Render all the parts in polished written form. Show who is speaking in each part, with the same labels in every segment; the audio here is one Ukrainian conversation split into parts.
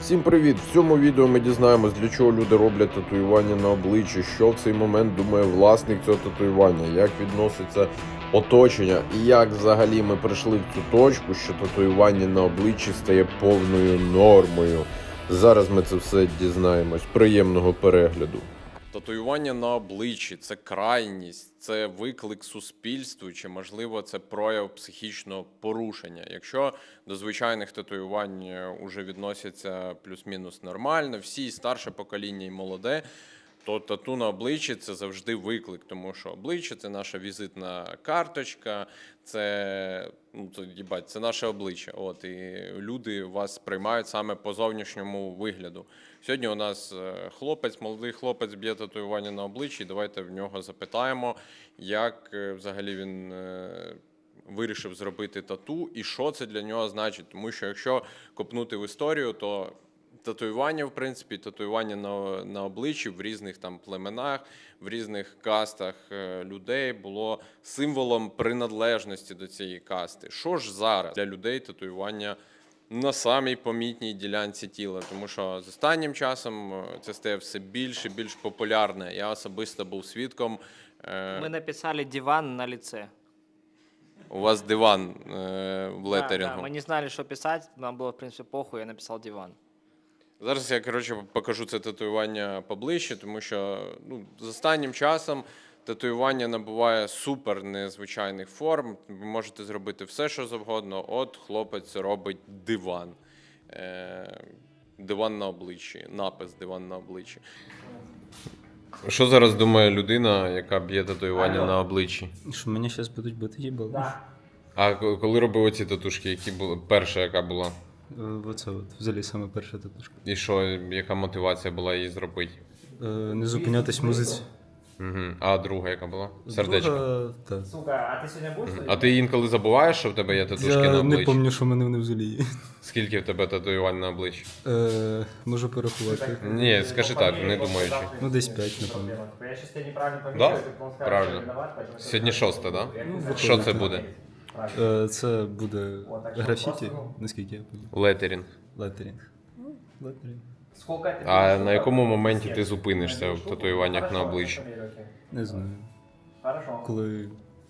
Speaker 1: Всім привіт! В цьому відео ми дізнаємось, для чого люди роблять татуювання на обличчі, що в цей момент думає власник цього татуювання, як відноситься оточення і як взагалі ми прийшли в цю точку, що татуювання на обличчі стає повною нормою. Зараз ми це все дізнаємось. Приємного перегляду.
Speaker 2: Татуювання на обличчі – це крайність, це виклик суспільству, чи, можливо, це прояв психічного порушення. Якщо до звичайних татуювань вже відносяться плюс-мінус нормально, всі, і старше покоління, і молоде, то тату на обличчі – це завжди виклик, тому що обличчя – це наша візитна карточка, це наше обличчя. І люди вас сприймають саме по зовнішньому вигляду. Сьогодні у нас молодий хлопець б'є татуювання на обличчі. Давайте в нього запитаємо, як взагалі він вирішив зробити тату і що це для нього значить. Тому що якщо копнути в історію, то татуювання, в принципі, татуювання на обличчі в різних там племенах, в різних кастах людей було символом приналежності до цієї касти. Що ж зараз для людей татуювання на самій помітній ділянці тіла? Тому що з останнім часом це стає все більш і більш популярне. Я особисто був свідком.
Speaker 3: Мы написали диван на лице.
Speaker 2: У вас диван в летерингу.
Speaker 3: Да, мы не знали, что писать, нам было, в принципе, похуй, я написал диван.
Speaker 2: Зараз я, покажу це татуювання поближче, тому що з останнім часом татуювання набуває супер незвичайних форм. Ви можете зробити все, що завгодно. От хлопець робить диван. Диван на обличчі, напис «Диван на обличчі». Що зараз думає людина, яка б'є татуювання на обличчі?
Speaker 4: Що мені зараз будуть бити їбало?
Speaker 2: А коли робив оці татушки, які були? Перша яка була?
Speaker 4: Оце взагалі саме перша татушка.
Speaker 2: І що, яка мотивація була її зробити?
Speaker 4: Не зупинятись в музиці.
Speaker 2: Угу. А друга яка була? Сердечко.
Speaker 4: Друга, так.
Speaker 3: Сука, а ты сегодня будешь?
Speaker 2: А ти інколи забуваєш, що в тебе є татушки на
Speaker 4: Я
Speaker 2: обличчі?
Speaker 4: не пам'ятаю, що в мене вони взагалі є.
Speaker 2: Скільки в тебе татуювань на обличчі?
Speaker 4: Можу порахувати.
Speaker 2: Ні, скажи так, не думаючи.
Speaker 4: Ну, десь 5, напевно.
Speaker 3: Я сейчас тебя неправильно
Speaker 2: Да?
Speaker 3: помню, ты потом скажешь,
Speaker 2: Правильно.
Speaker 3: что виноват, поэтому...
Speaker 2: Сьогодні 6, так? Да?
Speaker 4: виходить,
Speaker 2: Що це
Speaker 4: так.
Speaker 2: буде?
Speaker 4: Це буде графіті, наскільки я пам'ятаю.
Speaker 2: Летерінг.
Speaker 4: Летерінг. Летерінг.
Speaker 3: Сколько это?
Speaker 2: А на якому моменті ти зупинишся в татуюваннях на обличчі?
Speaker 4: Не знаю.
Speaker 3: Хорошо.
Speaker 4: Коли.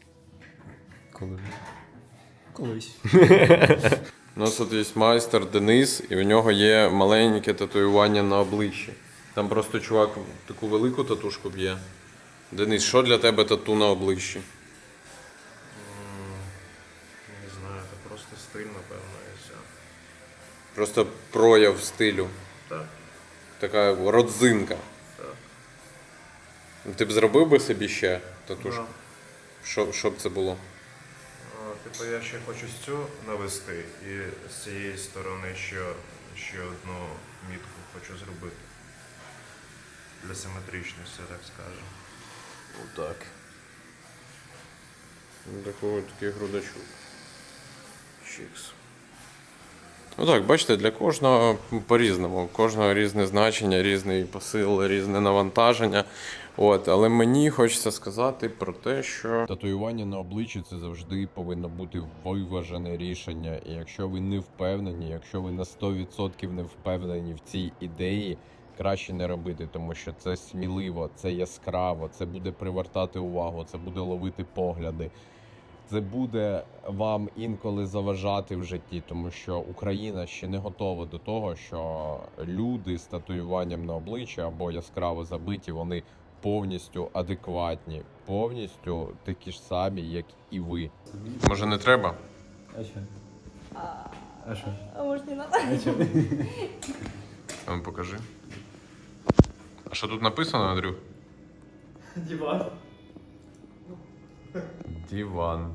Speaker 4: Колись.
Speaker 2: У нас тут є майстер Денис, і у нього є маленьке татуювання на обличчі. Там просто чувак таку велику татушку б'є. Денис, що для тебе тату на обличчі?
Speaker 5: Не знаю, це просто стиль, напевно, і все.
Speaker 2: Просто прояв стилю.
Speaker 5: Так.
Speaker 2: Така родзинка.
Speaker 5: Так.
Speaker 2: Ти б зробив би собі ще татушку?
Speaker 5: Да.
Speaker 2: Що б це було?
Speaker 5: Типу я ще хочу цю навести і з цієї сторони ще одну мітку хочу зробити. Для симетричності, так скажемо.
Speaker 2: Отак. Такий грудачок. Чікс. Ну так, бачите, для кожного по-різному. У кожного різне значення, різний посил, різне навантаження. Але мені хочеться сказати про те, що татуювання на обличчі – це завжди повинно бути виважене рішення. І якщо ви не впевнені, якщо ви на 100% не впевнені в цій ідеї, краще не робити, тому що це сміливо, це яскраво, це буде привертати увагу, це буде ловити погляди. Це буде вам інколи заважати в житті, тому що Україна ще не готова до того, що люди з татуюванням на обличчі або яскраво забиті, вони повністю адекватні, повністю такі ж самі, як і ви. Може не треба?
Speaker 4: А що? А що?
Speaker 6: А может не надо?
Speaker 2: А ну покажи. А що тут написано, Андрюх?
Speaker 3: Диван.
Speaker 2: Диван.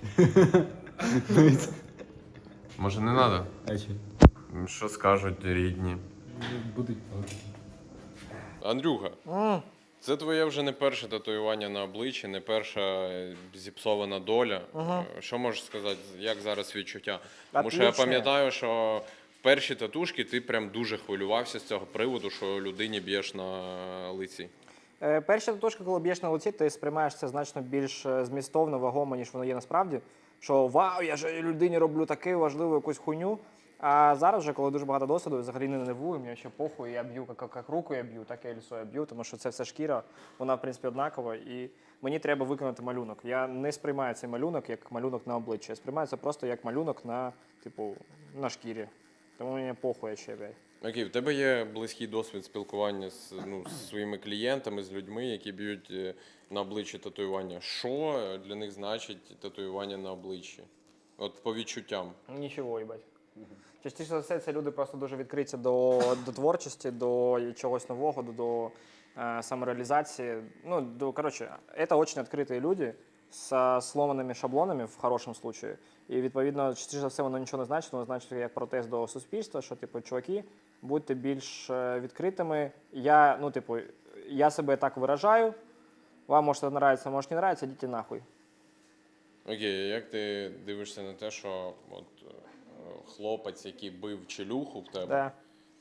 Speaker 2: Може не треба?
Speaker 4: А що?
Speaker 2: Що скажуть рідні?
Speaker 4: Будуть.
Speaker 2: Андрюха, це твоє вже не перше татуювання на обличчі, не перша зіпсована доля. Що можеш сказати, як зараз відчуття? Тому що я
Speaker 3: Отлично.
Speaker 2: пам'ятаю, що в перші татушки ти прям дуже хвилювався з цього приводу, що людині б'єш на лиці.
Speaker 3: Перша татушка, коли б'єш на лиці, ти сприймаєш це значно більш змістовно, вагомо, ніж воно є насправді. Що вау, я ж людині роблю таку важливу якусь хуйню. А зараз вже, коли дуже багато досвіду, взагалі не нервую, мені ще похуй, я б'ю, як руку я б'ю, так і лісо я б'ю, тому що це все шкіра, вона, в принципі, однакова, і мені треба виконати малюнок. Я не сприймаю цей малюнок як малюнок на обличчі, я сприймаю це просто як малюнок на, типу, на шкірі. Тому мені похуй ще, блядь.
Speaker 2: Окей, в тебе є близький досвід спілкування з своїми клієнтами, з людьми, які б'ють на обличчі татуювання. Що для них значить татуювання на обличчі? От по відчуттям.
Speaker 3: Нічого, їбать. Частіше за все, це люди просто дуже відкриті до творчості, до чогось нового, до самореалізації. Ну, коротше, це дуже відкриті люди з сломаними шаблонами в хорошому случае. І, відповідно, частіше за все, воно нічого не значить, воно значить як протест до суспільства, що, типу, чуваки, будьте більш відкритими. Я себе так виражаю, вам може це нравиться, може не нравиться, йдіть нахуй.
Speaker 2: Окей, а як ти дивишся на те, що от, хлопець, який бив челюху в тебе,
Speaker 3: Да.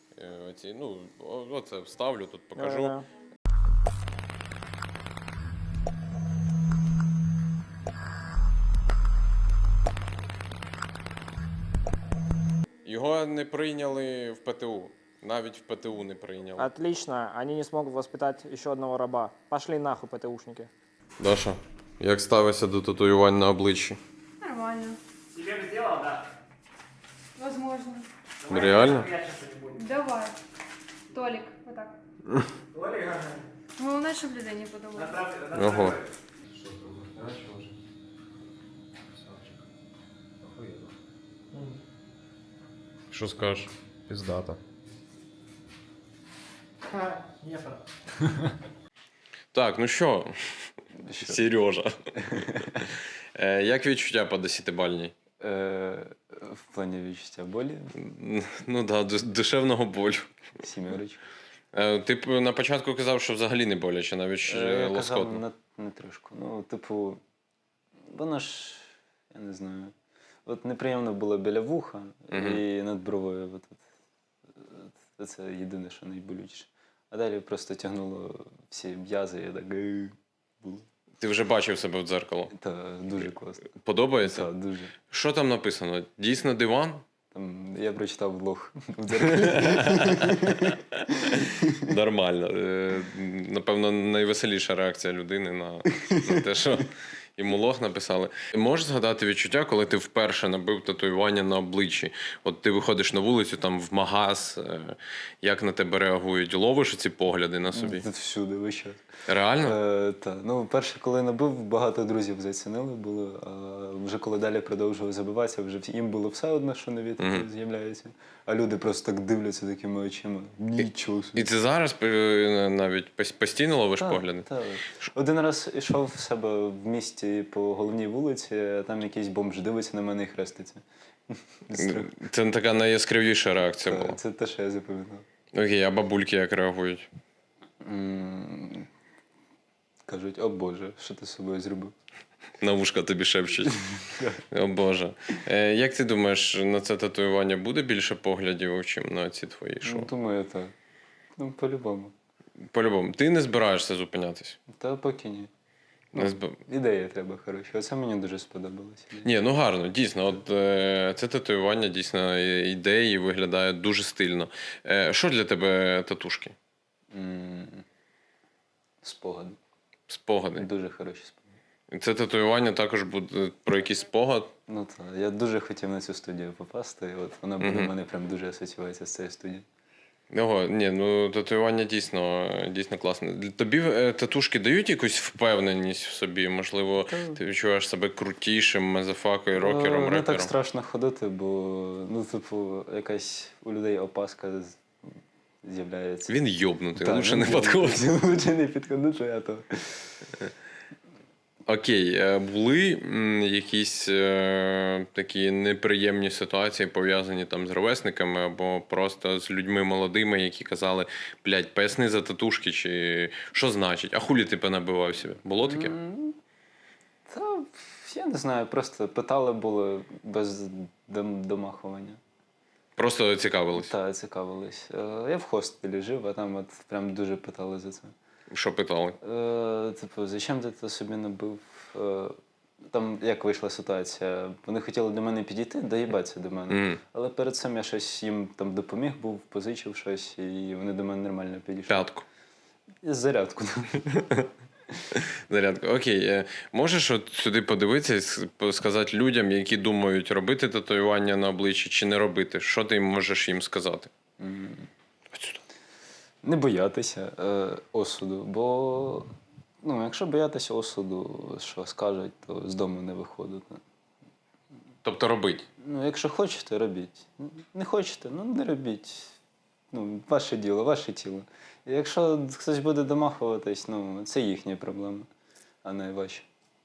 Speaker 2: Оце вставлю, тут покажу.
Speaker 3: Да.
Speaker 2: Його не прийняли в ПТУ. Навіть в ПТУ не прийняли.
Speaker 3: Отлично, они не смогут воспитать еще одного раба. Пошли нахуй, ПТУшники.
Speaker 2: Даша, як ставишся до татуювань на обличчі?
Speaker 6: Нормально.
Speaker 3: Тебе бы сделал, да?
Speaker 6: Возможно.
Speaker 2: Реально?
Speaker 6: Давай. Толик, вот так. Главное, чтобы людей не подумали.
Speaker 2: Ого. Що скажеш?
Speaker 5: Піздата.
Speaker 2: Так, ну що, Сережа. Як відчуття по 10-бальній?
Speaker 7: В плані відчуття болі,
Speaker 2: Ну так, да, душевного болю.
Speaker 7: сімерочка.
Speaker 2: Ти на початку казав, що взагалі не боляче, навіть
Speaker 7: Я
Speaker 2: лоскотно.
Speaker 7: казав не трошку. Ну, типу, воно ж, я не знаю. От неприємно було біля вуха і над бровою. Це єдине, що найболючіше. А далі просто тягнуло всі м'язи, і так було.
Speaker 2: Ти вже бачив себе в дзеркало.
Speaker 7: Та дуже класно.
Speaker 2: Подобається?
Speaker 7: Так, дуже.
Speaker 2: Що там написано? Дійсно диван?
Speaker 7: Там, я прочитав влог в дзеркалі.
Speaker 2: Нормально. Напевно, найвеселіша реакція людини на те, що йому лох написали. Можеш згадати відчуття, коли ти вперше набив татуювання на обличчі? От ти виходиш на вулицю, там в магаз, як на тебе реагують? Ловиш ці погляди на собі?
Speaker 7: Тут всюди весь час.
Speaker 2: Реально?
Speaker 7: Так. Ну, перше, коли набив, багато друзів зацінили було, а вже коли далі продовжував забиватися, вже їм було все одно, що нові такі з'являються. А люди просто так дивляться такими очима. Нічого собі.
Speaker 2: І ти зараз навіть постійно ловиш погляди?
Speaker 7: Так. Один раз йшов в себе в місті по головній вулиці, а там якийсь бомж дивиться на мене і хреститься.
Speaker 2: Це така найяскравіша реакція була.
Speaker 7: Це те, що я запам'ятав.
Speaker 2: Окей, а бабульки як реагують?
Speaker 7: Кажуть, о Боже, що ти з собою зробив?
Speaker 2: На вушка тобі шепчуть. О Боже. Як ти думаєш, на це татуювання буде більше поглядів, чим на ці твої шоу?
Speaker 7: Ну, думаю, так. Ну, по-любому.
Speaker 2: По-любому. Ти не збираєшся зупинятись?
Speaker 7: Та поки ні.
Speaker 2: Не
Speaker 7: Ідея треба хороша. Оце мені дуже сподобалося.
Speaker 2: Ні, ну гарно, дійсно. От це татуювання дійсно ідеї виглядає дуже стильно. Що для тебе татушки?
Speaker 7: Спогади.
Speaker 2: Спогади.
Speaker 7: Дуже хороші спогади.
Speaker 2: Це татуювання також буде про якийсь спогад.
Speaker 7: Ну так, я дуже хотів на цю студію попасти, і от вона буде в мене прям дуже асоціюється з цією студією.
Speaker 2: Ого, ні, ну татуювання дійсно класне. Тобі татушки дають якусь впевненість в собі? Можливо, ти відчуваєш себе крутішим, мазафакою, рокером,
Speaker 7: Не
Speaker 2: репером?
Speaker 7: так страшно ходити, бо, ну, типу, якась у людей опаска з'являється.
Speaker 2: Він йобнутий,
Speaker 7: Так,
Speaker 2: лучше
Speaker 7: він
Speaker 2: не підходить.
Speaker 7: Лучше не підходити, а то...
Speaker 2: Окей, були якісь такі неприємні ситуації, пов'язані там з ровесниками або просто з людьми молодими, які казали, блядь, поясни за татушки, чи що значить? А хулі ти понабивав себе? Було таке?
Speaker 7: Та, я не знаю, просто питали було без домахування.
Speaker 2: Просто цікавились?
Speaker 7: Так, цікавились. Я в хостелі жив, а там от прям дуже питали за це.
Speaker 2: Що питали?
Speaker 7: Типу, зачем ти це собі набив? Там як вийшла ситуація? Вони хотіли до мене підійти, доїбатися до мене. Але перед цим я щось їм там допоміг був, позичив щось, і вони до мене нормально підійшли.
Speaker 2: П'ятку.
Speaker 7: І зарядку.
Speaker 2: Зарядка. Окей. Можеш от сюди подивитися і сказати людям, які думають, робити татуювання на обличчі чи не робити? Що ти можеш їм сказати?
Speaker 7: Не боятися осуду, бо якщо боятися осуду, що скажуть, то з дому не виходити.
Speaker 2: Тобто робить.
Speaker 7: Якщо хочете, робіть. Не хочете, не робіть. Ваше діло, ваше тіло. І якщо хтось буде домахуватись, це їхні проблеми, а не ваші.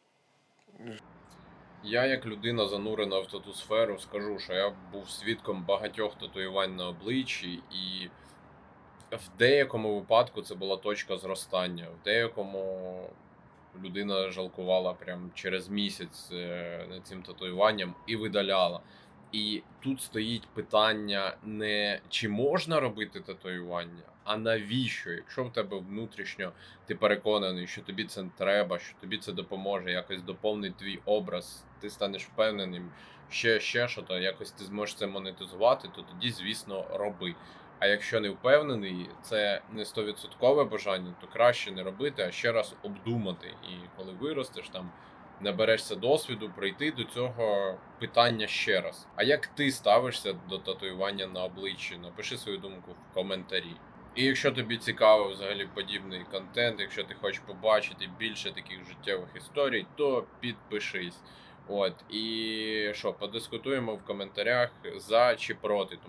Speaker 2: Я, як людина, занурена в тату-сферу, скажу, що я був свідком багатьох татуювань на обличчі, і в деякому випадку це була точка зростання, в деякому людина жалкувала прям через місяць над цим татуюванням і видаляла. І тут стоїть питання не чи можна робити татуювання, а навіщо? Якщо в тебе внутрішньо ти переконаний, що тобі це треба, що тобі це допоможе, якось доповнить твій образ, ти станеш впевненим, ще що-то, якось ти зможеш це монетизувати, то тоді, звісно, роби. А якщо не впевнений, це не 100% бажання, то краще не робити, а ще раз обдумати. І коли виростеш, там наберешся досвіду, прийти до цього питання ще раз. А як ти ставишся до татуювання на обличчі? Напиши свою думку в коментарі. І якщо тобі цікаво взагалі подібний контент, якщо ти хочеш побачити більше таких життєвих історій, то підпишись. І що, подискутуємо в коментарях за чи проти.